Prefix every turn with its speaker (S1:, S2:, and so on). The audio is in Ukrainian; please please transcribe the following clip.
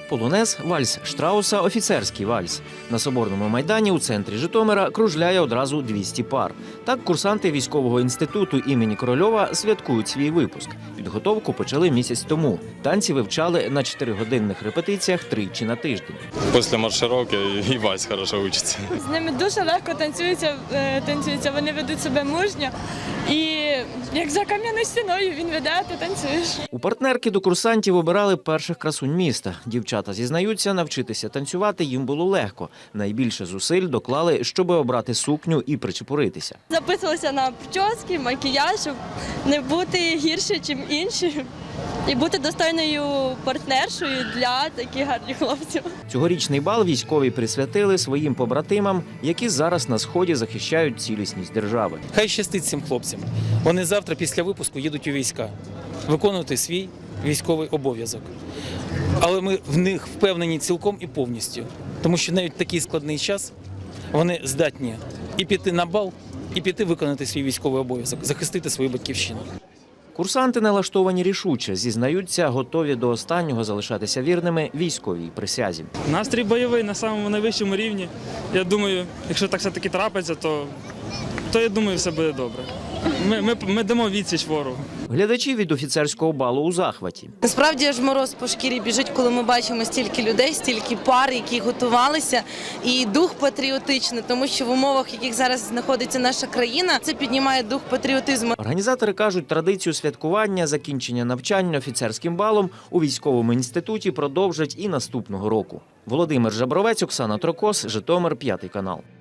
S1: Полонез, вальс Штрауса, офіцерський вальс. На Соборному майдані у центрі Житомира кружляє одразу 200 пар. Так курсанти військового інституту імені Корольова святкують свій випуск. Підготовку почали місяць тому. Танці вивчали на 4-годинних репетиціях тричі на тиждень.
S2: Після маршировки і вальс хорошо вчиться.
S3: З ними дуже легко танцюється, вони ведуть себе мужньо. І як за кам'яною стіною він веде, ти танцюєш.
S1: У партнерки до курсантів обирали перших красунь міста. Дівчата зізнаються, навчитися танцювати їм було легко. Найбільше зусиль доклали, щоб обрати сукню і причепуритися.
S3: Записувалися на прически, макіяж, щоб не бути гірше, ніж інші. І бути достойною партнершою для таких гарних хлопців.
S1: Цьогорічний бал військові присвятили своїм побратимам, які зараз на Сході захищають цілісність держави.
S4: Хай щастить цим хлопцям. Вони завтра після випуску їдуть у війська, виконувати свій військовий обов'язок. Але ми в них впевнені цілком і повністю. Тому що навіть в такий складний час вони здатні і піти на бал, і піти виконати свій військовий обов'язок, захистити свою батьківщину.
S1: Курсанти налаштовані рішуче, зізнаються, готові до останнього залишатися вірними військовій присязі.
S5: Настрій бойовий на самому найвищому рівні. Я думаю, якщо так все-таки трапиться, то я думаю, все буде добре. Ми дамо відсіч ворогу.
S1: Глядачі від офіцерського балу у захваті.
S6: Насправді аж мороз по шкірі біжить, коли ми бачимо стільки людей, стільки пар, які готувалися, і дух патріотичний, тому що в умовах, в яких зараз знаходиться наша країна, це піднімає дух патріотизму.
S1: Організатори кажуть, традицію святкування закінчення навчання офіцерським балом у військовому інституті продовжать і наступного року. Володимир Жабровець, Оксана Трокос, Житомир, 5 канал.